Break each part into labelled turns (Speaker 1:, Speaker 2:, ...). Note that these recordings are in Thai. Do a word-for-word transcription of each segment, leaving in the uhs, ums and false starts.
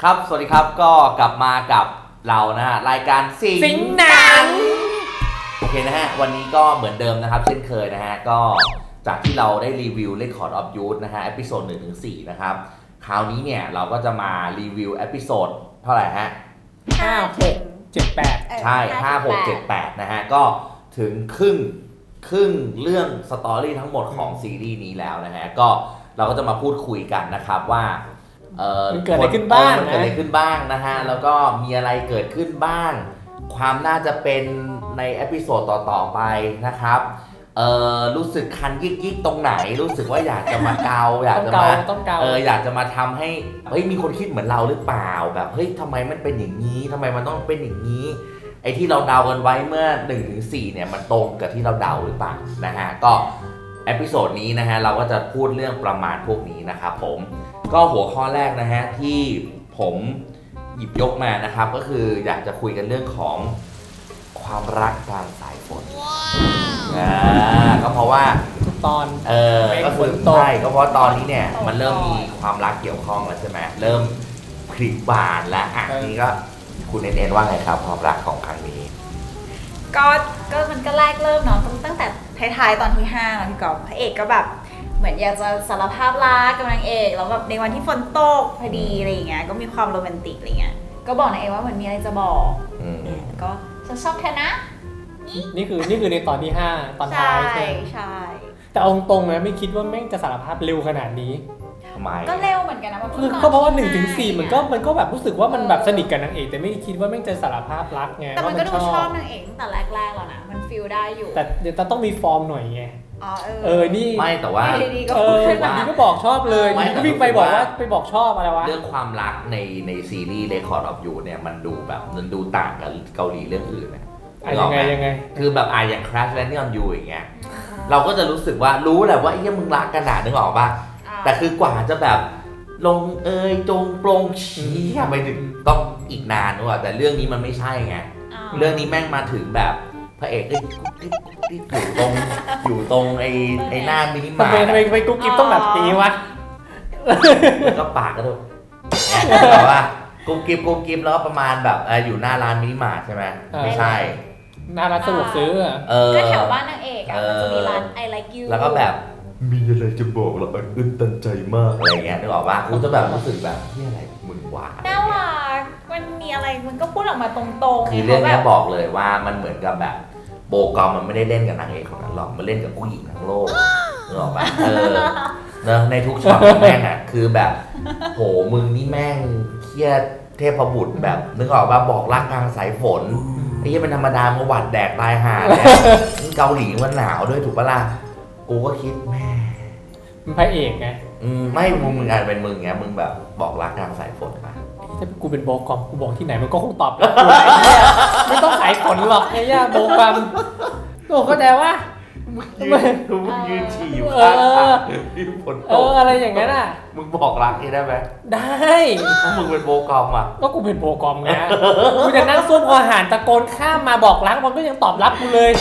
Speaker 1: ครับสวัสดีครับก็กลับมากับเรานะฮะรายการสิง
Speaker 2: สิงหนัง
Speaker 1: โอเคนะฮะวันนี้ก็เหมือนเดิมนะครับเช่นเคยนะฮะก็จากที่เราได้รีวิว Record of Youth นะฮะเอพิโซดหนึ่งถึงสี่นะครับคราวนี้เนี่ยเราก็จะมารีวิวเอพิโซดเท่าไหร่ฮะ
Speaker 2: ห้าหกเจ็ดแปด
Speaker 1: ใช่ห้า หก เจ็ด แปดนะฮะก็ถึงครึ่งครึ่งเรื่องสตอรี่ทั้งหมดของซีรีส์นี้แล้วนะฮะก็เราก็จะมาพูดคุยกันนะครับว่าเออ
Speaker 2: มันเกิดอะไรขึ้นบ้าง
Speaker 1: มันเกิดอะไรขึ้นบ้างนะฮะแล้วก็มีอะไรเกิดขึ้นบ้างความน่าจะเป็นในเอพิโซดต่อๆไปนะครับเออรู้สึกคันยิกๆตรงไหนรู้สึกว่าอยากจะมาเกาอยากจะมา
Speaker 2: ต้องเกา
Speaker 1: เอออยากจะมาทำให้เฮ้ยมีคนคิดเหมือนเราหรือเปล่าแบบเฮ้ยทำไมมันเป็นอย่างนี้ทำไมมันต้องเป็นอย่างนี้ไอ้ที่เราเดากันไว้เมื่อ หนึ่งถึงสี่ เนี่ยมันตรงกับที่เราเดาหรือเปล่านะฮะก็เอพิโซดนี้นะฮะเราก็จะพูดเรื่องประมาณพวกนี้นะครับผมก็หัวข้อแรกนะฮะที่ผมหยิบยกมานะครับก็คืออยากจะคุยกันเรื่องของความรักกลางสายฝนอ่าก็เพราะว่า
Speaker 2: ตอน
Speaker 1: เออก็คือใช่ก็เพราะตอนนี้เนี่ยมันเริ่มมีความรักเกี่ยวข้องแล้วใช่ไหมเริ่มผลิบานแล้วอ่ะนี่ก็คุณเอ็นว่าไงครับความรักของครั้งนี้
Speaker 3: ก็ก็มันก็แรกเริ่มเนาะตั้งแต่ท้ายๆตอนที่ห้าเนาะพี่กอล์ฟพระเอกก็แบบเหมือนอยากจะสารภาพรักกับนางเอกแล้วแบบในวันที่ฝนตกพอดีอะไรอย่างเงี้ยก็มีความโรแมนติกอะไรเงี้ยก็บอกนางเอกว่าเหมือนมีอะไรจะบอกก็ฉันชอบเธอนะ
Speaker 2: นี่คือนี่คือในตอนที่ห้าตอนท้ายใช่
Speaker 3: ใช่
Speaker 2: แต่เอาตรงๆนะไม่คิดว่าแม่งจะสารภาพเร็วขนาดนี้
Speaker 1: ทำไม
Speaker 3: ก็เร็วเหมือนกันนะ
Speaker 2: คือก็เพราะว่าหนึ่งถึงสี่มันก็มันก็แบบรู้สึกว่ามันแบบสนิทกับนางเอกแต่ไม่ได้คิดว่าแม่งจะสารภาพรักไง
Speaker 3: แต่มันก็ดูชอบนางเอกตั้งแต่แรกๆแล้วนะมันฟีลได้อยู่
Speaker 2: แต่เดี๋ยวต้องมีฟอร์มหน่อยไง
Speaker 3: อ๋อเออ
Speaker 2: เออนี่
Speaker 1: ไม่แต่ว่า
Speaker 2: เออวันนี้ก็บอกชอบเลยวิ่งไปบอกว่าไปบอกชอบอะไรวะ
Speaker 1: เรื่องความรักในในซีรีส์ Record of Youth เนี่ยมันดูแบบมันดูต่างกับเกาหลีเรื่องอื่นนะ
Speaker 2: ยังไงยังไง
Speaker 1: คือแบบอ่ะอย่าง Crash Landing on You อย่างเงี้ยเราก็จะรู้สึกว่ารู้แหละว่าไอ้เหี้ยมึงรักกันหนานึกออกป่ะแต่คือกว่าจะแบบลงเอยจงปรงชี้ไปถึงต้องอีกนานด้วยแต่เรื่องนี้มันไม่ใช่ไงเรื่องนี้แม่งมาถึงแบบพระเอกก็อยู่ตรงอยู่ตรงไอ้ไอ้หน้ามินิมาร์ท
Speaker 2: ทำไมทำไมกุ๊กกิ๊บต้องแบบนี้วะ
Speaker 1: แล้วก็ปากก็ถูกแบบว่ากุ๊กกิ๊บกุ๊กกิ๊บแล้วประมาณแบบอยู่หน้าร้านมินิมาร์ทใช่ไหมไม่ใช่
Speaker 2: หน้าร้านสะดวกซื้อ
Speaker 3: ก็แถวบ้านนางเอกอ่ะมันจะมีร้าน I like you
Speaker 1: แล้วก็แบบมีอะไรจะบอกเราอึ้นตันใจมากอะไรเงี้ยนึกออกป่ะกูจะแบบรู้สึกแบบนี่อะไรมึงหวาน
Speaker 3: น่ารักมันมีอะไรมันก็พูดออกมาตรงๆ
Speaker 1: คือเรื่องนี้บอกเลยว่ามันเหมือนกับแบบโบกอมมันไม่ได้เล่นกับนางเอกคนนั้นหรอกมันเล่นกับผู้หญิงทั้งโลกนึกออกป่ะเออเนอะในทุกช็อตแม่งอ่ะคือแบบโหมึงนี่แม่งเครียดเทพบุตรแบบนึกออกป่ะบอกรักกลางสายฝนไอ้ยี่เป็นธรรมดามาหวัดแดกตายห่าเนี่ยเกาหลีมันหนาวด้วยถูกปะล่ะกูก็คิดแม่
Speaker 2: มันพระเอกไง
Speaker 1: อืมไม่มึงมึงอาจเป็นมึงไงมึงแบบบอกรักกลางสายฝนมา
Speaker 2: ถ้ากูเป็นโบกอมกูบอกที่ไหนมันก็คงตอบรับกูไอ้เหี้ยไม่ต้องสายฝนหรอกไอ้เหี้ยโบกอมโอ้เข้าใจว่า
Speaker 1: มึงยืนฉี่อยู่ข้างทางที่ฝนตก
Speaker 2: เอออะไรอย่างนั้นอ่ะ
Speaker 1: มึงบอกรักนี่ได้ไหม
Speaker 2: ได้
Speaker 1: เพราะมึงเป็นโบกอมอ่ะ
Speaker 2: ก็กูเป็นโบกอมไงกูจะนั่งซุ่มอาหารตะโกนข้ามมาบอกรักมันก็ยังตอบรับกูเลย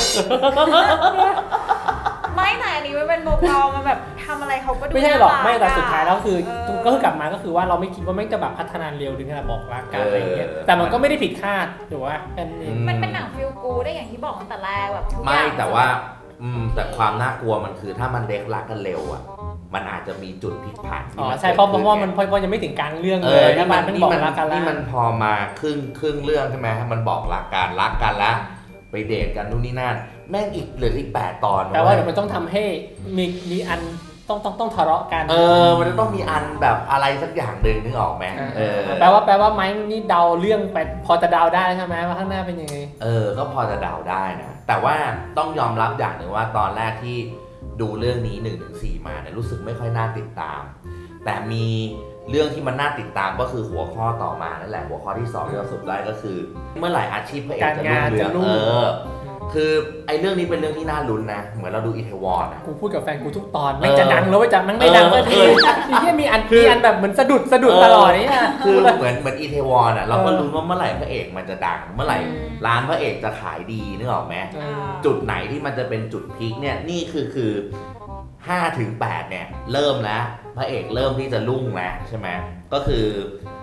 Speaker 3: ไม่แต่อันนี้มันเป็นโบกอมมันแบบทำอะไรเขาก็ดู
Speaker 2: ไม่ใช่หรอกไม่แต่สุดท้ายแล้วคือก็คือกลับมาก็คือว่าเราไม่คิดว่าแม่งจะแบบพัฒนาเร็วถึงขนาดบอกรักกันอะไรอย่างเงี้ยแต่มันก็ไม่ได้ผิดคาดถูกว่า
Speaker 3: มันเป็นหนังฟิลกูได้อย่างที่บอกตั้งแต่แรกแบบ
Speaker 1: ไม่แต่ว่าอืมแต่ความน่ากลัวมันคือถ้ามันเด็กรักกันเร็วอ่ะมันอาจจะมีจุดพลิกผัน
Speaker 2: อ๋อใช่เพราะเพราะว่ามันเพราะยังไม่ถึงกลางเรื่องเลยถ้ามันเป็นบอกรักกันแล้ว
Speaker 1: นี่มันพอมาครึ่งครึ่งเรื่องใช่ไหมมันบอกรักกันรักกันแล้วไปเดทกันนู่นนี่นั่นแม่งอีกเหลืออีกแปดตอน
Speaker 2: แต่ว่าเดี๋ยวมันต้องทำให้มีมีอันต้องต้องต้องทะเลาะกัน
Speaker 1: เออมันจะต้องมีอันแบบอะไรสักอย่างหนึ่งนึกออกไหมเออ
Speaker 2: แปลว่าแปลว่าไม้นี่เดาเรื่องไปพอจะเดาได้ใช่ไหมว่าข้างหน้าเป็นยังไง
Speaker 1: เออก็พอจะเดาได้นะแต่ว่าต้องยอมรับอย่างหนึ่งว่าตอนแรกที่ดูเรื่องนี้ หนึ่งถึงสี่ มาเนี่ยรู้สึกไม่ค่อยน่าติดตามแต่มีเรื่องที่มันน่าติดตามก็คือหัวข้อต่อมานั่นแหละหัวข้อที่สองที่เราสรุปได้ก็คือเมื่อไหร่อาชีพพระเอกจะรุ่งเรืองเออคือไอ้เรื่องนี้เป็นเรื่องที่น่าลุ้นนะเหมือนเราดูอีเทวอนอ่ะ
Speaker 2: กูพูดกับแฟนกูทุกตอนไม่จะดังแล้วว่าจะมันไม่ดังก็ทีทีที่มีอันมีอันแบบเหมือนสะดุดสะดุดตลอดนี่
Speaker 1: อ่ะคือเหมือนเหมือนอีเทวอนอ่ะเราก็ลุ้นว่าเมื่อไหร่พระเอกมันจะดังเมื่อไหร่ร้านพระเอกจะขายดีนึกออกไหมจุดไหนที่มันจะเป็นจุดพีคเนี่ยนี่คือคือห้าถึงแปดเนี่ยเริ่มแล้วพระเอกเริ่มที่จะรุ่งแล้วใช่ไหมก็คือ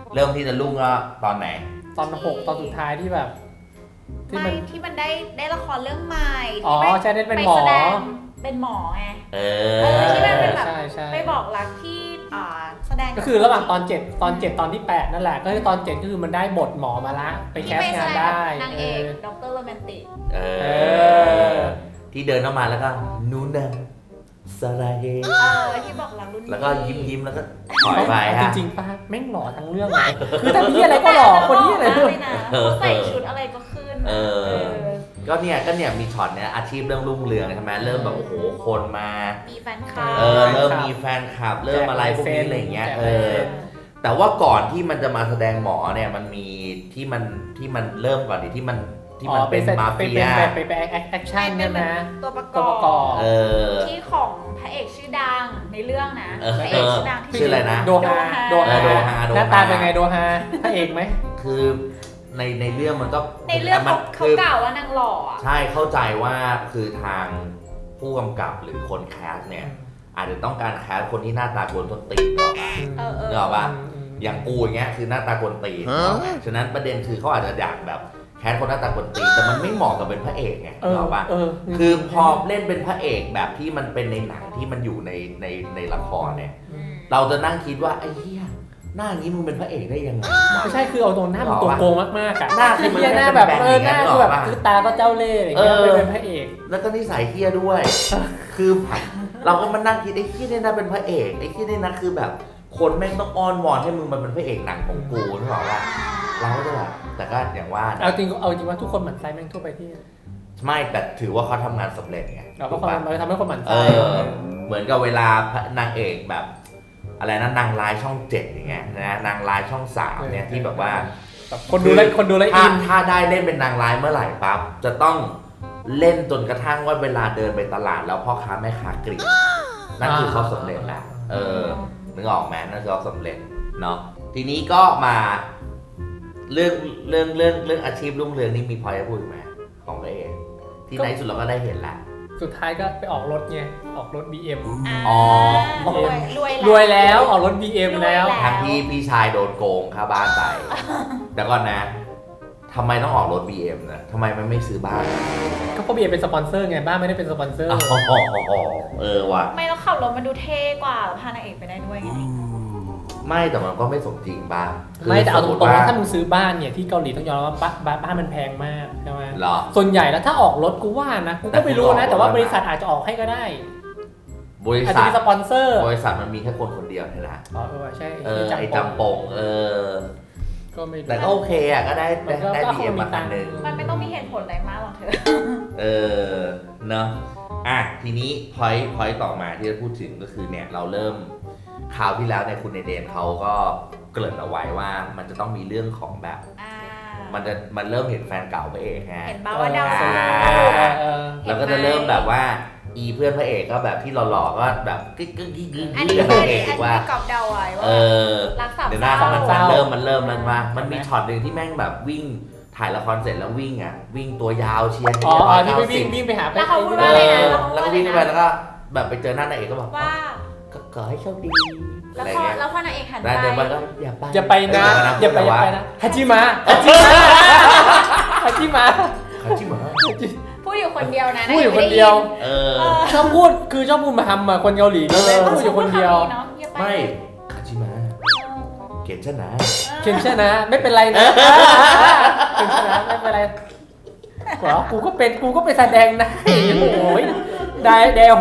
Speaker 1: เริ่มที่จะรุ่งก็ตอนไหน
Speaker 2: ตอนหกตอนสุดท้ายที่แบบที่
Speaker 3: ไม่
Speaker 2: มัน
Speaker 3: ที่มันได้ได้ละครเรื่องใหม่
Speaker 2: อ๋อ
Speaker 3: ที่
Speaker 2: ใช่ได้เป็นหมอ
Speaker 3: ไแสดงเป็นหมอไง
Speaker 1: เอ
Speaker 3: เอ
Speaker 1: อ
Speaker 3: อที่มันเป็นแบบ
Speaker 2: ใช่ใช่
Speaker 3: ไปบอกรักที่อ่าแสดง
Speaker 2: ก็คือระหว่างตอนเจ็ดตอนเจ็ดตอนที่แปดนั่นแหละก็คือตอนเจ็ดก็คือมันได้บทหมอมาละไปแคส
Speaker 3: ที่
Speaker 2: งาน
Speaker 3: แส
Speaker 2: ได้
Speaker 3: นาง
Speaker 2: เอ
Speaker 3: เอก
Speaker 2: อ
Speaker 3: ด็อกเตอร์โรแมนติก
Speaker 1: เอ
Speaker 2: เอ
Speaker 1: อ
Speaker 2: อ
Speaker 1: ที่เดินเข้ามาแล้วก็นูนะสราเฮ
Speaker 3: เออที่บอกรักรุ่นพี่
Speaker 1: แล้วก็ยิ้มยิ้มๆแล้วก็ถอยไป
Speaker 2: จ
Speaker 1: ฮะ
Speaker 2: ริงๆป้าแม่งหล่อทั้งเรื่องเลยคือแต่พี่อะไรก็หล่อคนนี้อะไร
Speaker 3: เล
Speaker 2: ด้วย
Speaker 3: ยนะเขาใส่ชุดอะไรก็ขึ้น
Speaker 1: เออ ก็เนี่ยก็เนี่ยมีช็อตเนี่ยอาชีพเริ่มรุ่งเรืองใช่ไหมเริ่มแบบโอ้โหคนมา
Speaker 3: มีแฟนคลับ
Speaker 1: เออเริ่มมีแฟนคลับ เริ่มอะไรพวกนี้อะไรอย่างเงี้ยเออ แต่ว่าก่อนที่มันจะมาแสดงหมอเนี่ยมันมีที่มันที่มันเริ่มก่อนดิที่มันที่มันเป็นมา
Speaker 2: ไป
Speaker 1: เฟีย
Speaker 2: ไปไปไปแอคชั่นเนี่ยนะ
Speaker 3: ตัวประก
Speaker 2: ตัว
Speaker 3: อ
Speaker 2: ประกอ
Speaker 3: บบ
Speaker 1: เออ
Speaker 3: ที่ของพระเอกชื่อดังในเรื่องนะ
Speaker 1: เออ
Speaker 3: พระเอกชื่อดังที่
Speaker 1: ชื่ออะไรนะ
Speaker 2: โดฮา
Speaker 3: โด
Speaker 1: เออโดฮาโดฮา
Speaker 2: หน้าตาเป็นไงโดฮาพระเอกไหม
Speaker 1: คือในในเรื่องมันก็
Speaker 3: ในเรื่อง
Speaker 1: มั
Speaker 3: เขาเขา
Speaker 1: คื
Speaker 3: กล่าวว่านางหล่ออะ
Speaker 1: ใช่เข้าใจว่าคือทางผู้กำกับหรือคนแคสเนี่ยอาจจะต้องการแคสคนที่หน้าตากวนต้นตีนหรอก
Speaker 3: เออเออ
Speaker 1: นึกออกปะ อย่างกูอย่างเงี้ยคือหน้าตากวนตีนฉะนั้นประเด็นคือเขาอาจจะอยากแบบแคสคนหน้าตากวนตีนแต่มันไม่เหมาะกับเป็นพระเอกไง
Speaker 2: เอ
Speaker 1: นึ
Speaker 2: อก
Speaker 1: ออกปะ
Speaker 2: เออ
Speaker 1: คือพอเล่นเป็นพระเอกแบบที่มันเป็นในหนังที่มันอยู่ในในในละครเนี่ย
Speaker 3: อืม
Speaker 1: เราจะนั่งคิดว่าไอ้เหี้ยหน้านี้มึงเป็นพระเอกได้ยังไงวะ
Speaker 2: ไม่ใช่คือเอาตรงหน้ามันตัวโกงมากๆอะ
Speaker 1: หน้าคือมัน
Speaker 2: เหี้ยหน้าแบบ
Speaker 1: แบนๆ
Speaker 2: เออหน้า
Speaker 1: อย่างนั้น
Speaker 2: คือแบบ
Speaker 1: หรอวะ
Speaker 2: คือตาก็เจ้าเล่ห์อย่างเงี้ย
Speaker 1: เออ
Speaker 2: เป็นพระเอก
Speaker 1: แล้วก็นิสัยเฮี้ยด้วย คือเราก็มานั่งคิดไอ้เฮี้ยเนี่ยนะเป็นพระเอกไอ้เฮี้ยเนี่ยนะคือแบบคนแม่งต้องอ้อนวอนให้มึงมาเป็นพระเอกหนังของกูนึกออกปะเราก็จะแบบแต่ก็อย่างว่านะ
Speaker 2: เอาจริงเอาจริงว่าทุกคนหมั่นไส้แม่งทั่วไปที่
Speaker 1: ไม่แต่ถือว่าเขาทำงานสำเร็จไง
Speaker 2: เราก็
Speaker 1: ถูก
Speaker 2: คน
Speaker 1: ปะ
Speaker 2: มันทำให้คนหมั่น
Speaker 1: เอ
Speaker 2: ไส้
Speaker 1: อ เหมือนกับเวลานางเอกแบบ อะไรนะนางร้ายช่องเจ็ดอย่างเงี้ยนะนางร้ายช่องสามเนี่ยที่แบบว่า
Speaker 2: แบบคนดูแลคนดูแล
Speaker 1: ถ้า
Speaker 2: อิน
Speaker 1: ถ้าได้เล่นเป็นนางร้ายเมื่อไหร่ปั๊บจะต้องเล่นจนกระทั่งว่าเวลาเดินไปตลาดแล้วพ่อค้าแม่ค้ากรีดนั่นคือเขาสำเร็จแล้วเออนึกออกไหมนั่นคือเขาสำเร็จเนาะทีนี้ก็มาเรื่องเรื่องเรื่องเรื่องอาชีพรุ่งเรืองนี่มีพอยจะพูดไหมของตัวเองที่ในที่สุดเราก็ได้เห็นแหละ
Speaker 2: สุดท้ายก็ไปออกรถไงออกรถ บี เอ็ม
Speaker 1: อ๋อ
Speaker 3: รวยรวย
Speaker 2: รวยแล้วออกรถ บี เอ็ม แล้ว
Speaker 3: รวย
Speaker 1: ทั้งที่พี่ชายโดนโกงค่าบ้านไปแต่ก่อนนะทำไมต้องออกรถ บี เอ็ม นะทำไมมันไม่ซื้อบ้าน
Speaker 2: ก็เพราะ บี เอ็ม เป็นสปอนเซอร์ไงบ้านไม่ได้เป็นสปอนเซอร์
Speaker 1: อ๋อเออว่ะ
Speaker 3: ไม่แล้วขับรถมันดูเท่กว่าพานางเอกไปได้ด้วยไง
Speaker 1: ไม่แต่มันก็ไม่สมจริงบ้าง
Speaker 2: ไม่แต่เอาตรงๆ
Speaker 1: ว่
Speaker 2: ว่าถ้ามึงซื้อบ้านเนี่ยที่เกาหลีต้องยอมรับว่าบ้านบ้านบ้านมันแพงมากใช่ไหม
Speaker 1: เหรอ
Speaker 2: ส่วนใหญ่แล้วถ้าออกรถกูว่านะกูก็ไม่รู้นะ แต่ว่าบริษัทอาจจะออกให้ก็ได้
Speaker 1: บริ
Speaker 2: อาจ
Speaker 1: ษั
Speaker 2: จะ
Speaker 1: ท
Speaker 2: มีสปอนเซอร์
Speaker 1: บริษัทมันมีแค่คนคนเดียวเท่านั้น
Speaker 2: อ๋อเออใช่
Speaker 1: เออไอ้จำปงเออ
Speaker 2: ก็ไม่รู้
Speaker 1: แต่ก็โอเคอ่ะก็ได้ได้
Speaker 2: มันก็
Speaker 1: ได้
Speaker 2: ก็
Speaker 1: บีเอ็ม
Speaker 2: คงมี
Speaker 1: มาคัน
Speaker 2: ตังค์
Speaker 1: หนึ่ง
Speaker 3: มันไม่ต้องมีเหตุผลอะไรมากหรอกเธอ
Speaker 1: เออเนาะอ่ะทีนี้พอยพอยต่อมาที่จะพูดถึงก็คือเนี่ยเราเริ่มคราวที่แล้วเนี่ยคุณเอเดนเขาก็เกริ่นเอาไว้ว่ามันจะต้องมีเรื่องของแบบ
Speaker 3: อ่า
Speaker 1: มันจะมันเริ่มเห็นแฟนเก่าพระเอกฮะ
Speaker 3: เห็นบ้าว่าดาว
Speaker 2: เอ
Speaker 3: สา
Speaker 2: อเออ
Speaker 1: แล้วก็จะเริ่มแบบว่าอีเพื่อนพระเอกก็แบบที่หล่อๆก็แบบกึ๊กกึ๊กกึ๊กกึ๊ก
Speaker 3: อันนี้
Speaker 1: กับ
Speaker 3: คือ
Speaker 1: พ
Speaker 3: อั
Speaker 1: ระ
Speaker 3: น
Speaker 1: เอ
Speaker 3: นี้
Speaker 1: ก
Speaker 3: อัน
Speaker 1: ว่า
Speaker 3: นี้กอบเดาไว้ว่า
Speaker 1: เออ
Speaker 3: รักสาม
Speaker 1: เดี๋ยวหน้า
Speaker 3: เศร้า
Speaker 1: มันมันเริ่มมันเริ่มแล้วว่ามันมีช็อตหนึ่งที่แม่งแบบวิ่งถ่ายละครเสร็จแล้ววิ่งอ่ะวิ่งตัวยาวเชียร์
Speaker 2: อ๋ออ๋อที่
Speaker 1: ร้
Speaker 2: ไป
Speaker 1: ย
Speaker 2: วิ่ง
Speaker 1: เก้าสิบ
Speaker 2: วิ่งไปหา
Speaker 3: แล้วเขาพูด
Speaker 1: เอ
Speaker 3: ว่าอะไรนะ
Speaker 1: อแล้วก็วิ่งไปแล้วก็แบบไปเจอหน้านางเอกก็บอก
Speaker 3: ว่า
Speaker 1: ก็ขอให้โชคดี
Speaker 3: แล้ว
Speaker 1: อะไร
Speaker 3: พอ
Speaker 1: เงี้ย
Speaker 3: แล้วพอนางเอกหัน
Speaker 1: แล้วเดิน
Speaker 3: ไป
Speaker 1: ไปก็อย่าไป
Speaker 2: อย่าไปนะ
Speaker 1: เ
Speaker 2: อย่าไปอย่าไป
Speaker 1: นะ
Speaker 2: นะฮัจิมะฮัจิมะฮัจิมะ
Speaker 1: เขาจิ๋มเหรอ
Speaker 3: พูดอยู่คนเดียวนะ
Speaker 2: พูดอยู่คนเดียว
Speaker 1: เออ
Speaker 3: เออ
Speaker 2: ชอบพูดคือชอบพูดมาทำอะคนเกาหลีก็เลยพูดอยู่คนเดียว
Speaker 3: เนาะอย่าป
Speaker 1: ไม่คาจิมะเกณฑ์ชนะ
Speaker 2: เคนชนะไม่เป็นไรนะเคนชนะไม่เป็นไรเหรอกูก็เป็นกูก็ไปแสดงนะโอ้ยได้แดโฮ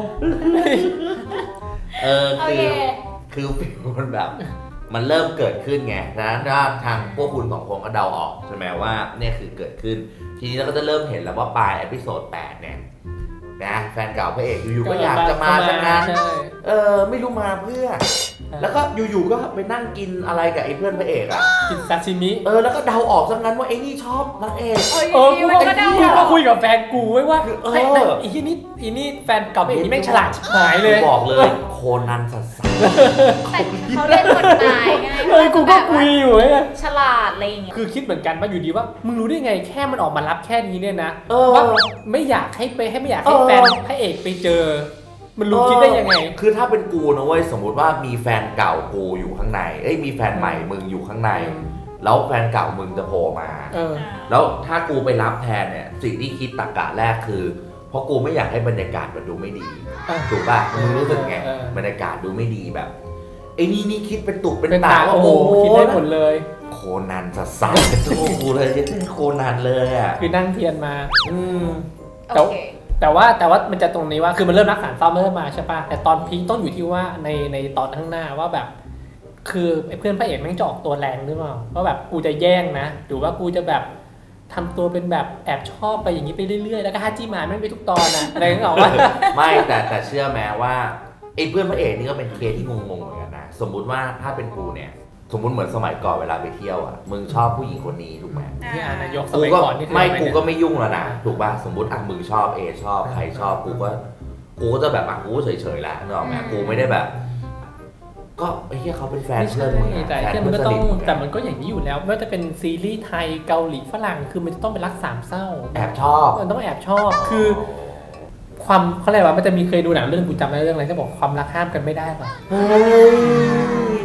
Speaker 1: เออ
Speaker 3: โอ
Speaker 1: คือ
Speaker 3: เค
Speaker 1: คือฟิลมันแบบ มันเริ่มเกิดขึ้นไงดังนั้นก็ทางพวกคุณสองคนก็เดาออกใช่ไหมว่าเนี่ยคือเกิดขึ้น ทีนี้เราก็จะเริ่มเห็นแล้วว่าปลายเอพิโซดแปดเนี่ยนะแฟนเก่าพระเอกอยู่ๆก็อยากจะมาซะงั้น
Speaker 2: ใช่
Speaker 1: เออไม่รู้มาเพื่อ แล้วก็อยู่ๆก็ไปนั่งกินอะไรกับไอ้เพื่อนพระเอกอ่ะ
Speaker 2: กินซาชิมิ
Speaker 1: เออแล้วก็เดาออกซะงั้นว่าไอ้นี่ชอบนางเอก
Speaker 3: เออ
Speaker 2: เออ
Speaker 3: อ
Speaker 2: กู
Speaker 3: ยู่
Speaker 2: ก็
Speaker 3: ๆมันก็เดา
Speaker 2: กูก็คุยกับแฟนกูไว้ว่า
Speaker 1: เออ
Speaker 2: ไอ้ไอ้ที่นี่อีนี่แฟนเก่าไอ้นี่แม่งฉลาดชิบหายเลย
Speaker 1: บอกเลยโคนันสัส
Speaker 3: แต่เขาเล่นกฎหมายไง
Speaker 2: เออกูก็คุยอยู่ไง
Speaker 3: ฉลาดอะไรอย่างเงี้ย
Speaker 2: คือคิดเหมือนกันว่าอยู่ดีว่ามึงรู้ได้ไงแค่มันออกมารับแค่นี้เนี่ยนะ
Speaker 1: ๆเออ
Speaker 2: ว่าไม่อยากให้ไปให้ไม่อยากให้
Speaker 1: เออ
Speaker 2: แฟนพระเอกไปเจอมันรู้คิดได้ยังไง
Speaker 1: คือถ้าเป็นกูนะเว้ยสมมุติว่ามีแฟนเก่ากูอยู่ข้างในเอ้ยมีแฟนใหม่มึงอยู่ข้างใน
Speaker 2: อืม
Speaker 1: แล้วแฟนเก่ามึงจะโผล่มา
Speaker 2: เออ
Speaker 1: แล้วถ้ากูไปรับแทนเนี่ยสิ่งที่คิดตรรกะแรกคือ เพราะกูไม่อยากให้บรรยากาศมันดูไม่ดี
Speaker 2: เออ
Speaker 1: ถูกป่ะมึงรู้สึกไง
Speaker 2: เออ
Speaker 1: บรรยากาศดูไม่ดีแบบไอ้นี่นี่คิดเป็นตุกเป็น
Speaker 2: เป็น
Speaker 1: ตา
Speaker 2: ตา
Speaker 1: ว่า
Speaker 2: โอ้โหคิดได้หมดเลย
Speaker 1: โคนันสัสสัสเป็นตัวกูเลยเป็นโคนันเลยอ่ะ
Speaker 2: คือนั่งเทียนมา
Speaker 1: อืม
Speaker 2: แต่
Speaker 3: โอเค
Speaker 2: แต่ว่าแต่ว่ามันจะตรงนี้ว่าคือมันเริ่มรักษาซ่อมเริ่มมาใช่ปะแต่ตอนพีคต้องอยู่ที่ว่าในในตอนข้างหน้าว่าแบบ คือไอ้เพื่อนพระเอกแม่งจะออกตัวแรงหรือเปล่าว่าแบบกูจะแย่งนะหรือว่ากูจะแบบทำตัวเป็นแบบแอบชอบไปอย่างนี้ไปเรื่อยๆแล้วก็ฮัจิมาแม่งไปทุกตอนนะอะไรก็บอกว่า
Speaker 1: ไม่แต่แต่เชื่อแม้ว่าไอ้เพื่อนพระเอกนี่ก็เป็นเคสที่งงๆเหมือนกันนะสมมุติว่าถ้าเป็นกูเนี่ยสมมุติเหมือนสมัยก่อนเวลาไปเที่ยวอ่ะมึงชอบผู้หญิงคนนี้ถูกไหม
Speaker 2: ที่อ่านนายกส
Speaker 1: กู
Speaker 2: มัย
Speaker 1: ก็
Speaker 2: ก่อนนี่คือ
Speaker 1: ไม่
Speaker 2: อะร
Speaker 1: กู
Speaker 2: เนี่ย
Speaker 1: ก็ไม่ยุ่งแล้วนะถูกป่ะสมมติอ่ะมึงชอบเอชอบใครชอบกูก็กูก็จะแบบอ่ะกูก็เฉยๆแล้วนึกออกไหมกูไม่ได้แบบ ก็ไอ้เหี้ยเขาเป็นแฟน
Speaker 2: ไม่
Speaker 1: เพื่
Speaker 2: ใช่
Speaker 1: อนมึงอะ
Speaker 2: แต่
Speaker 1: แฟน
Speaker 2: ที่มั
Speaker 1: เพื่
Speaker 2: น
Speaker 1: อน
Speaker 2: ก็
Speaker 1: ส
Speaker 2: ต้อ
Speaker 1: นิ
Speaker 2: ง
Speaker 1: ทมึง
Speaker 2: แต่
Speaker 1: อะ
Speaker 2: มันก็อย่างนี้อยู่แล้วไม่ว่าจะเป็นซีรีส์ไทยเกาหลีฝรั่งคือมันจะต้องเป็นรักสามเศร้า
Speaker 1: แอบชอบ
Speaker 2: มันต้องแอบชอบคือ ความเขาเรียกว่ามันจะมีเคยดูหนังเรื่องกูจำได้เรื่องอะไรที่บอกความรักห้ามกันไม่ได้ป่ะ
Speaker 1: เฮ้ย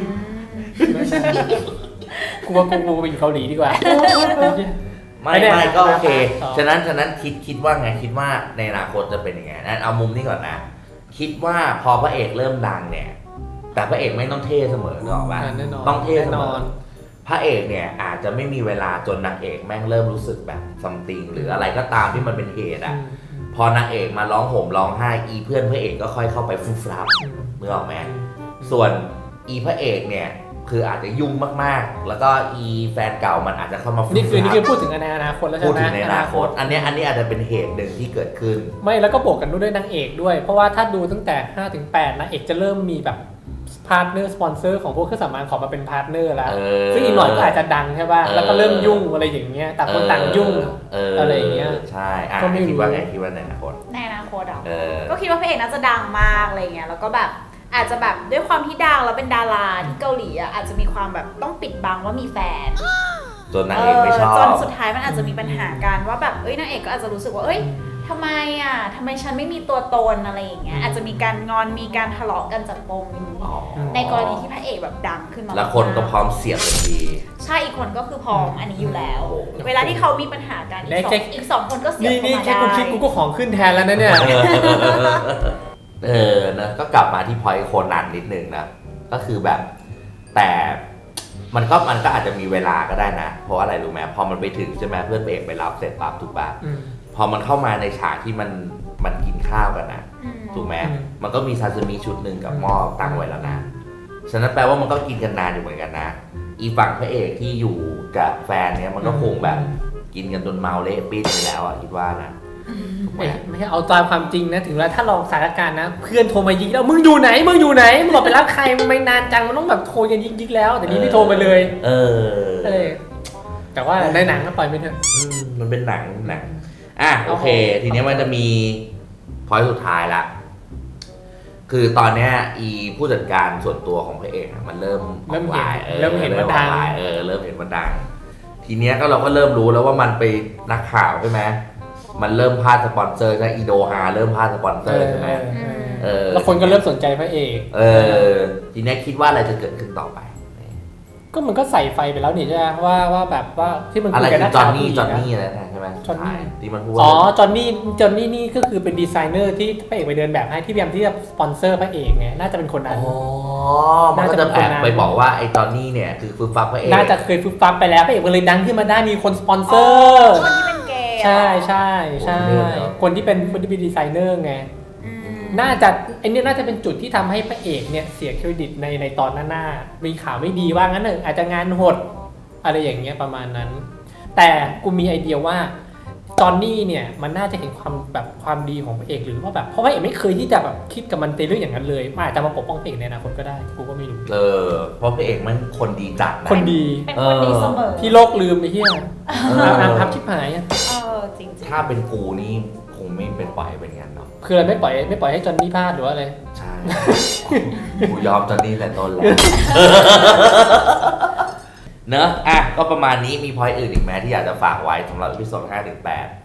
Speaker 2: กูว่ากูกูไปอยู่เกาหลีดีกว่า
Speaker 1: ไม่
Speaker 2: ไม่ได้
Speaker 1: ไม่ก็โอเค
Speaker 2: ต่อ
Speaker 1: ฉะนั้นฉะนั้นคิดคิดว่าไงคิดว่าในอนาคตจะเป็นยังไงนั่นเอามุมนี้ก่อนนะ คิดว่าพอพระเอกเริ่มดังเนี่ย แต่พระเอกไม่ต้องเท่เสมอนึกออกป่ะ
Speaker 2: แน่นอน
Speaker 1: ต้องเท่เส
Speaker 2: แน่
Speaker 1: ม
Speaker 2: นอ
Speaker 1: อน พระเอกเนี่ยอาจจะไม่มีเวลาจนนางเอกแม่งเริ่มรู้สึกแบบซัมติงหรืออะไรก็ตามที่มันเป็นเหตุอ่ะ พอนางเอกมาร้องห่มร้องไห้อีเพื่อนพระเอกก็ค่อยเข้าไปฟุ่มฟลับนึกออกไหมส่วนอีพระเอกเนี่ยคืออาจจะยุ่งมากๆ แล้วก็อีแฟนเก่ามันอาจจะเข้ามาฟุ่ม
Speaker 2: นี่
Speaker 1: ฟ
Speaker 2: คือนี่
Speaker 1: ลั
Speaker 2: คือบ พูดถึงในอนาคตแล้วใช่
Speaker 1: พูด
Speaker 2: ไหม
Speaker 1: ถึงในอนาคต อันเนี้ยอันนี้อาจจะเป็นเหตุหนึ่งที่เกิดขึ้น
Speaker 2: ไม่แล้วก็บวกกันด้วยนางเอกด้วย เพราะว่าถ้าดูตั้งแต่ห้าถึงแปดนางเอกจะเริ่มมีแบบพาร์ทเนอร์สปอนเซอร์ของพวกเครื่องสำอางขอมาเป็นพาร์ทเนอร์แล้ว
Speaker 1: เออ
Speaker 2: ซึ่งอีกหน่อยก็อาจจะดังใช่ป่ะ
Speaker 1: เออ
Speaker 2: แล้วก็เริ่มยุ่งอะไรอย่างเงี้ยต่างคนต่างยุ่ง
Speaker 1: เออ
Speaker 2: อะไรอย่างเงี้ย
Speaker 1: ใช่อ่ะ
Speaker 2: ก็ไม่รู้
Speaker 1: คิดว่าไงคิดว่าในอนาคต
Speaker 3: ในอนาคตอ่ะ
Speaker 1: เออ
Speaker 3: ก็คิดว่าพระเอกน่าจะดังมากอะไรเงี้ยแล้วก็แบบอาจจะแบบด้วยความที่ดังแล้วเป็นดาราที่เกาหลีอ่ะอาจจะมีความแบบต้องปิดบังว่ามีแฟน
Speaker 1: จนนางเอกไม่ชอบ
Speaker 3: จนสุดท้ายมันอาจจะมีปัญหากันว่าแบบเอ้ยนางเอกก็อาจจะรู้สึกว่าเอ้ยทำไมอ่ะทำไมฉันไม่มีตัวตนอะไรอย่างเงี้ยอาจจะมีการงอนมีการทะเลาะกันจากปมนี้
Speaker 1: อ๋อ
Speaker 3: ในกรณีที่พระเอกแบบดังขึ้นมา
Speaker 1: แล้วคนก็พร้อมเสียบทันที
Speaker 3: ใช่อีกคนก็คือพร้อมอันนี้อยู่แล้ว
Speaker 1: โอ้โห
Speaker 3: เวลาที่เขามีปัญหากันอีกสองอีกสองคนก็เสียบ
Speaker 2: นี่
Speaker 3: เข้า
Speaker 2: นี่
Speaker 3: มา
Speaker 2: แค่
Speaker 3: ได้
Speaker 2: กูคิดกูก็ของขึ้นแทนแล้วนะเนี่ย
Speaker 1: เออนะก็กลับมาที่พอยต์โคนันนิดนึงนะ ก็คือแบบ แต่มันก็มันก็อาจจะมีเวลาก็ได้นะ เพราะอะไรรู้ไหมพอมันไปถึงใช่ไหมเพื่อนเอกไปรับเสร็จปั๊บถูกปะ
Speaker 2: อืม
Speaker 1: พอมันเข้ามาในฉากที่มันมันกินข้าวกันนะ
Speaker 3: อืม
Speaker 1: ถูกไหม
Speaker 2: อืม
Speaker 1: มันก็มีซาซิมิชุดหนึ่งกับหม้อตั้งไว้แล้วนะ ฉะนั้นแปลว่ามันก็กินกันนานอยู่เหมือนกันนะ อีฝั่งพระเอกที่อยู่กับแฟนเนี้ยมันก็คงแบบกินกันจนเมาเละปิ้นไปแล้วอ่ะคิดว่านะถูกไหม
Speaker 2: ไม่ไม่ใช่เอาตามความจริงนะถึงแล้วถ้าลองสถานการณ์นะ เพื่อนโทรมายิงแล้วมึงอยู่ไหนมึงอยู่ไหนมึงบอกไปรับใครมันไม่นานจังมันต้องแบบโทรกันยิงๆแล้ว แต่นี่ไม่โทรมาเลย
Speaker 1: เออ
Speaker 2: เออแต่ว่าในหนังก็ปล่อยไม่เถอะ
Speaker 1: อืมมันเป็นหนังหนังอ่ะโอเค ทีเนี้ยมันจะมีพอยต์สุดท้ายละ คือตอนเนี้ยอีผู้จัดการส่วนตัวของพระเอกอะมันเริ่ม
Speaker 2: เริ่ม
Speaker 1: ออก
Speaker 2: เห็น
Speaker 1: ไลน์ออ
Speaker 2: เริ่มเห็นว่าดัง
Speaker 1: ออกไลน์เออเริ่มเห็นว่าดัง ทีเนี้ยก็เราก็เริ่มรู้แล้วว่ามันไปนักข่าวใช่ไหมมันเริ่มพลาดสปอนเซอร์ใช่อีโดฮาเริ่มพลาดสปอนเซอร์ใช่ไหม
Speaker 2: เออ
Speaker 1: เออ
Speaker 2: แล้วคนก็เริ่มสนใจพระเอก
Speaker 1: เออทีเนี้ยคิดว่าอะไรจะเกิดขึ้นต่อไป
Speaker 2: ก็มันก็ใส่ไฟไปแล้วนี่ใช่ไหมว่าว่าแบบว่าที่มัน
Speaker 1: อะไร
Speaker 2: คุยกัน
Speaker 1: คื
Speaker 2: นั
Speaker 1: อก จอ
Speaker 2: ข่าน ว
Speaker 1: นี่
Speaker 2: ผู้หญิง
Speaker 1: จอน
Speaker 2: นะ
Speaker 1: นี่อะไรนะใช่ไหม
Speaker 2: จอนนี่
Speaker 1: ที่มันพูด
Speaker 2: อ๋อ
Speaker 1: ว่า
Speaker 2: จอนนี่จอนนี่นี่ก็คือเป็นดีไซเนอร์ที่พระเอกไปเดินแบบให้ที่พยายามที่จะสปอนเซอร์พระเอกไงน่าจะเป็นคนนั้น
Speaker 1: อ๋อมันก็จะแอบไปบอกว่าไอ้จอนนี่เนี่ยคือฟึบฟับพระเอก
Speaker 2: น่าจะเคยฟึบฟับไปแล้วพระเอกก็เลยดังขึ้นมาได้มีคนสปอนเซอ
Speaker 3: อ๋
Speaker 2: ร์
Speaker 3: อคนที่เป็นเกย์
Speaker 2: ใช่ใช่ใช่
Speaker 1: โอ้โหเนี่ยเหรอ
Speaker 2: คนที่เป็นคนที่เป็นดีไซเนอร์ไง
Speaker 3: อืม
Speaker 2: น่าจะไอ้นี่น่าจะเป็นจุดที่ทำให้พระเอกเนี่ยเสียเครดิตในในตอนหน้าๆมีข่าวไม่ดีว่างั้นเถอะอาจจะงานหดอะไรอย่างเงี้ยประมาณนั้น แต่กูมีไอเดียว่าจอนนี่เนี่ยมันน่าจะเห็นความแบบความดีของพระเอกหรือว่าแบบเพราะพระเอกไม่เคยที่จะแบบคิดกับมันในเรื่องอย่างนั้นเลยมันอาจจะมาปกป้องพระเอกในอนาคตก็ได้กูก็ไม่รู้
Speaker 1: เออเพราะพระเอกมันคนดีจัดนะ
Speaker 2: คนดี
Speaker 3: เป็นคนดีเสมอ
Speaker 2: ที่โลกลืมไอ้เหี้ย
Speaker 1: เอ
Speaker 2: อา
Speaker 1: อ
Speaker 2: พับชิบหายอ่ะ
Speaker 3: เออจริงๆ
Speaker 1: ถ้าเป็นกูนี่คงไม่เป็นปล่อยเป็นงั้นเนาะ
Speaker 2: คืออะไรไม่ปล่อยไม่ปล่อยให้จอนนี่พลาดหรือว่าอะไร
Speaker 1: ใช่ กูยอมจอนนี่แต่ต้นแล้ว เนอะอ่ะก็ประมาณนี้มีพอยต์อื่นอีกไหมที่อยากจะฝากไว้สำหรับวิดีโอห้าถึงแปด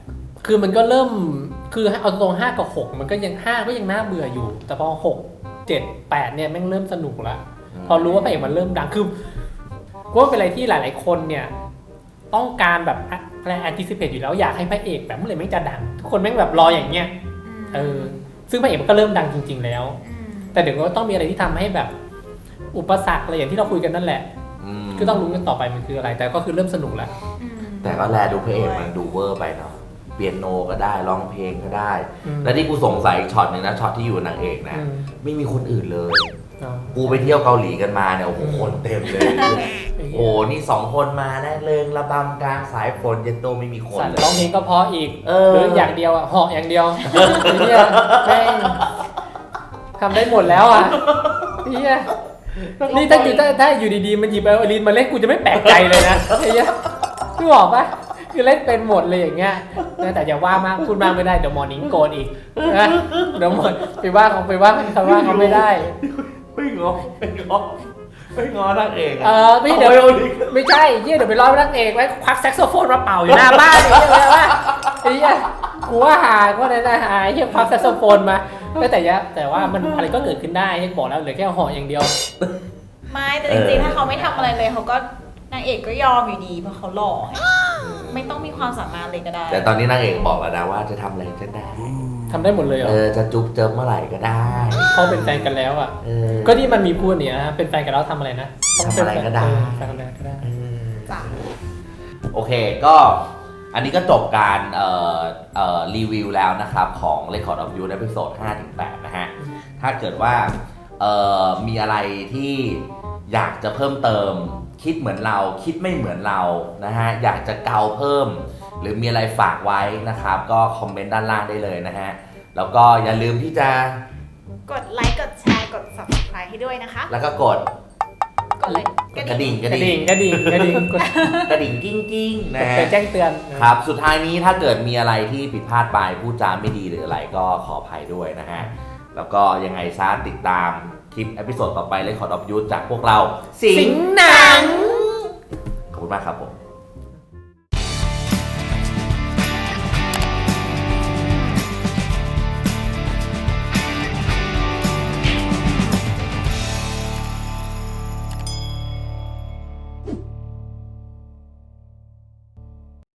Speaker 2: คือมันก็เริ่มคือเอาตรงห้ากับหกมันก็ยังห้าก็ยังน่าเบื่ออยู่ แต่พอหกเจ็ดแปดเนี่ยแม่งเริ่มสนุกแล้วพอรู้ว่าพระเอกมันเริ่มดังคือก็เป็นอะไรที่หลายๆคนเนี่ยต้องการแบบอะไรแอนติซิเพตอยู่แล้วอยากให้พระเอกแบบเมื่อไหร่แม่งจะดังทุกคนแม่งแบบรออย่างเงี้ยเออซึ่งพระเอกมันก็เริ่มดังจริง ๆ แล้ว แต่เดี๋ยวก็ต้องมีอะไรที่ทำให้แบบอุปสรรคอะไรอย่างที่เราคุยกันนั่นแหละคือต้องรู้กันต่อไปมันคืออะไร แต่ก็คือเริ่มสนุกแล้ว
Speaker 1: แต่ก็แลดูพระเอกมันดูเวอร์ไปเนาะเปียโนก็ได้ร้องเพลงก็ได้และที่กูสงสัยช็อตนึงนะช็อตที่อยู่นางเอกนะไม่มีคนอื่นเลยกูไปเที่ยวเกาหลีกันมาเนี่ยโอ้โหคนเต็มเลยโอ้นี่สองคนมาได้เริงระบำกลางสายฝนเย็นโตไม่มีคนเลย
Speaker 2: ร้องเพลงก็เพราะอีกหรืออย่างเดียวอ่ะเหาะอย่างเดียวเนี่ยแม่งทำได้หมดแล้วอ่ะเนี่ยนี่ถ้าอยู่ถ้าถ้าอยู่ดีๆมันหยิบไอโอลินมาเล่นกูจะไม่แปลกใจเลยนะไอ้เนี้ยพี่บอกปะคือเล่นเป็นหมดเลยอย่างเงี้ยแต่อย่าว่ามากพูดมากไม่ได้เดี๋ยวมอร์นิ่งโกนอีกนะเดี๋ยวหมดไปว่าเขาไปว่าเขาว่าเขาไม่ได้
Speaker 1: ไม่งอไม่งอไม่งอนางเอก
Speaker 2: เออไม่เดี๋ยวไม่ใช่เยี่ยเดี๋ยวไปร้องนางเอกไว้ควักแซกโซโฟนมาเป่าอยู่หน้าบ้านอย่างเงี้ยเลยว่าไอ้เหี้ยกูว่าหาก็ได้นะหาเยี่ยควักแซกโซโฟนมาแต่ยะแต่ว่ามันอะไรก็เกิดขึ้นได้ให้บอกแล้วเหลือแค่ห่ออย่างเดียว
Speaker 3: ไม่แต่จริงๆถ้าเขาไม่ทำอะไรเลยเขาก็นางเอกก็ยอมอยู่ดีเพราะเขาหล่อไม่ต้องมีความสามารถเลยก็ได้
Speaker 1: แต่ตอนนี้นางเอกบอกแล้วนะว่าจะทำอะไรก็ได้
Speaker 2: ทำได้หมดเลยเหรอ
Speaker 1: เออจะจุ๊บเจิมเมื่อไหร่ก็ได้
Speaker 2: เขาเป็นแฟนกันแล้วอ่ะก็ที่มันมีพูดเนี่ยเป็นแฟนกันแล้วทำอะไรนะ
Speaker 1: ทำอะไรก็ได้
Speaker 2: ทำอะไรก็ได้
Speaker 3: จ้ะ
Speaker 1: โอเคก็อันนี้ก็จบการเอ่อเอ่อรีวิวแล้วนะครับของ Record of You ใน episode ห้าถึงแปดนะฮะถ้าเกิดว่าเอ่อมีอะไรที่อยากจะเพิ่มเติมคิดเหมือนเราคิดไม่เหมือนเรานะฮะอยากจะเกาเพิ่มหรือมีอะไรฝากไว้นะครับก็คอมเมนต์ด้านล่างได้เลยนะฮะแล้วก็อย่าลืมที่จะ
Speaker 3: กดไลค์กดแชร์กด ซับสไครบ์ ให้ด้วยนะคะ
Speaker 1: แล้วก็กด
Speaker 3: กดเลย
Speaker 1: กระดิ่ง
Speaker 2: กระดิ่งกระดิ่งกระดิ่ง
Speaker 1: กระดิ่งกิ้งกิ้งนะฮะ
Speaker 2: แจ้งเตือน
Speaker 1: ครับสุดท้ายนี้ถ้าเกิดมีอะไรที่ผิดพลาดไปพูดจาไม่ดีหรืออะไรก็ขออภัยด้วยนะฮะแล้วก็ยังไงซะติดตามคลิปเอพิโซดต่อไปเลยขอดอบยูจากพวกเรา
Speaker 2: สิงหนัง
Speaker 1: ขอบคุณมากครับผม